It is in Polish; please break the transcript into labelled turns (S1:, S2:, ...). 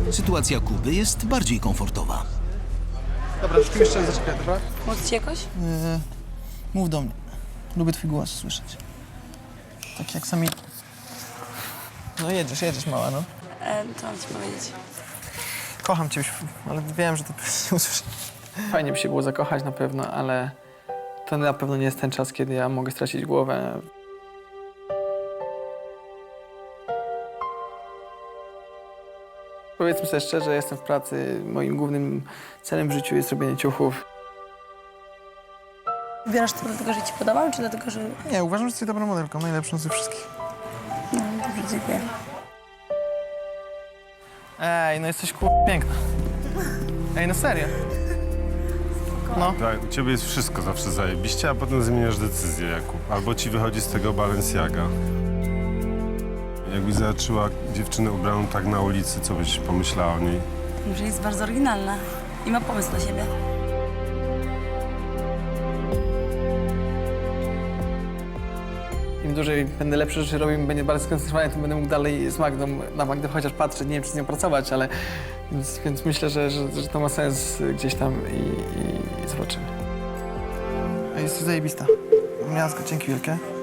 S1: Sytuacja Kuby jest bardziej komfortowa.
S2: Dobra, troszkę jeszcze zaczepię, dobra?
S3: Móc ci jakoś?
S4: Mów do mnie. Lubię twój głos słyszeć. Tak jak sami... No jedziesz, mała, no.
S3: Co mam ci powiedzieć?
S4: Kocham cię, ale wiem, że to nie usłyszę. Fajnie by się było zakochać na pewno, ale to na pewno nie jest ten czas, kiedy ja mogę stracić głowę. Powiedzmy sobie szczerze, jestem w pracy. Moim głównym celem w życiu jest robienie ciuchów.
S3: Wybierasz to dlatego, że ci podobał, czy dlatego, że...
S4: Nie, uważam, że jesteś dobrą modelką, najlepszą ze wszystkich.
S3: No, dobrze, dziękuję.
S4: Ej, no jesteś piękna. Ej, no serio. No.
S5: Tak, u ciebie jest wszystko zawsze zajebiście, a potem zmieniasz decyzję, Jakub. Albo ci wychodzi z tego Balenciaga. Jakbyś zobaczyła dziewczynę ubraną tak na ulicy, co byś pomyślała o niej?
S3: Że jest bardzo oryginalna i ma pomysł na siebie.
S4: Im dłużej będę lepsze rzeczy robił, będzie bardziej skoncentrowany, tym będę mógł dalej z Magdą, na Magdę chociaż patrzeć, nie wiem, czy z nią pracować, ale... Więc myślę, że to ma sens gdzieś tam i zobaczymy. Jesteś zajebista. Miazga, dzięki wielkie.